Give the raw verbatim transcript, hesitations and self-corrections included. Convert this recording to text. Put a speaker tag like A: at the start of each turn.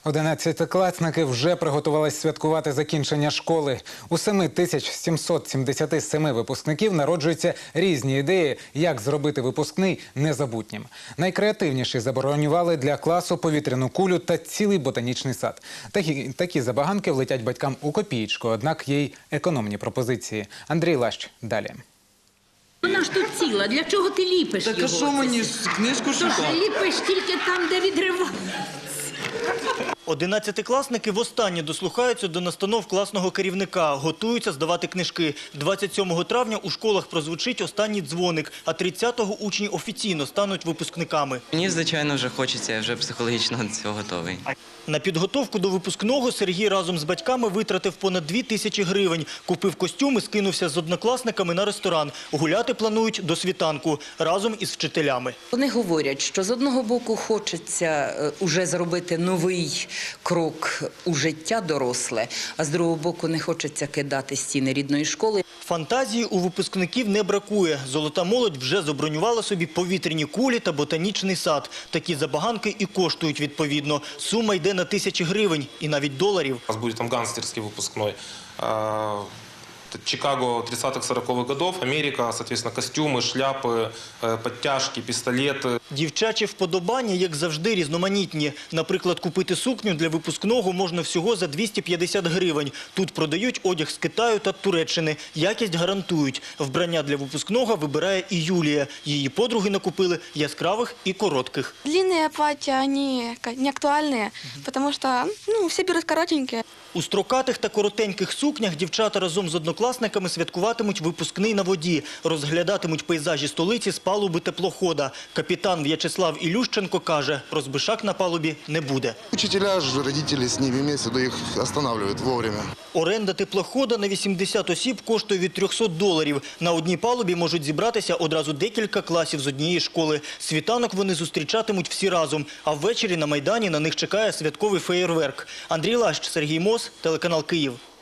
A: Одинадцятикласники вже приготувалися святкувати закінчення школи. У семи тисяч сімсот сімдесяти семи випускників народжуються різні ідеї, як зробити випускний незабутнім. Найкреативніші забронювали для класу повітряну кулю та цілий ботанічний сад. Такі, такі забаганки влетять батькам у копієчку, однак є й економні пропозиції. Андрій Лащ далі.
B: Вона ж тут ціла, для чого ти ліпиш
C: так,
B: його?
C: Так а що мені ж книжку шукати?
B: Тож ліпиш тільки там, де відривається.
D: Одинадцятикласники востаннє дослухаються до настанов класного керівника, готуються здавати книжки. двадцять сьомого травня у школах прозвучить останній дзвоник, а тридцятого учні офіційно стануть випускниками.
E: Мені, звичайно, вже хочеться, я вже психологічно до цього готовий.
D: На підготовку до випускного Сергій разом з батьками витратив понад дві тисячі гривень. Купив костюм і скинувся з однокласниками на ресторан. Гуляти планують до світанку разом із вчителями.
F: Вони говорять, що з одного боку хочеться уже зробити новий крок у життя доросле, а з другого боку не хочеться кидати стіни рідної школи.
D: Фантазії у випускників не бракує. Золота молодь вже забронювала собі повітряні кулі та ботанічний сад. Такі забаганки і коштують відповідно. Сума йде на тисячі гривень і навіть доларів.
G: У нас будет там гангстерский выпускной. Чикаго тридцатых-сороковых годов, Америка, соответственно, костюмы, шляпы, подтяжки, пистолеты.
D: Дівчачі вподобання, як завжди, різноманітні. Наприклад, купити сукню для випускного можна всього за двісті п'ятдесят гривень. Тут продають одяг з Китаю та Туреччини. Якість гарантують. Вбрання для випускного вибирає і Юлія. Її подруги накупили яскравих і коротких.
H: Длинные платья, они не актуальные, потому что ну, все берут коротенькие.
D: У строкатих та коротеньких сукнях дівчата разом з однокласниками святкуватимуть випускний на воді. Розглядатимуть пейзажі столиці з палуби теплохода. Капітан В'ячеслав Ілющенко каже, розбишак на палубі не буде.
I: Учителя ж, родители с ними вместе, да их останавливают вовремя.
D: Оренда теплохода на вісімдесят осіб коштує від трьохсот доларів. На одній палубі можуть зібратися одразу декілька класів з однієї школи. Світанок вони зустрічатимуть всі разом, а ввечері на Майдані на них чекає святковий феєрверк. Андрій Лащ, Сергій Мос, телеканал Київ.